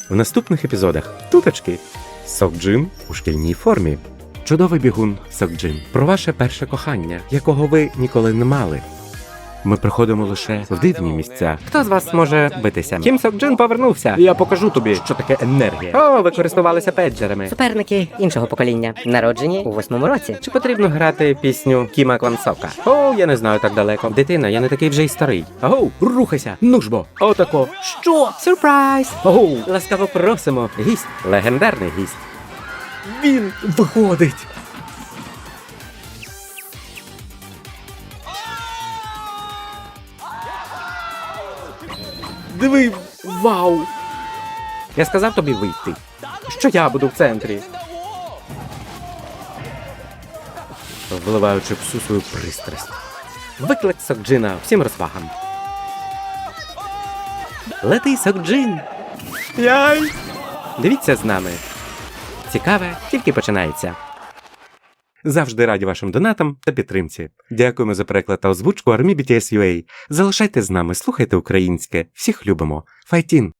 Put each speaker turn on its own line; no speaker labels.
В наступних епізодах туточки. Сокджин у шкільній формі. Чудовий бігун Сокджин. Про ваше перше кохання, якого ви ніколи не мали. Ми приходимо лише в дивні місця. Хто з вас може битися? Кім Сокджин повернувся. Я покажу тобі, що таке енергія. О, ви користувалися педжерами.
Суперники іншого покоління, народжені у 8-му році.
Чи потрібно грати пісню Кіма Квансока? О, я не знаю так далеко. Дитина, я не такий вже й старий. Агоу, рухайся, ну ж бо. Отако. Що? Сюрприз! Агоу, ласкаво просимо. Гість, легендарний гість. Він виходить. Диви, вау! Я сказав тобі вийти, що я буду в центрі. Вливаючи всю свою пристрасть. Виклик Сокджина всім розвагам. Лети, Сокджин! Яй! Дивіться з нами. Цікаве тільки починається. Завжди раді вашим донатам та підтримці. Дякуємо за переклад та озвучку Army BTS UA. Залишайте з нами, слухайте українське. Всіх любимо. Файтін!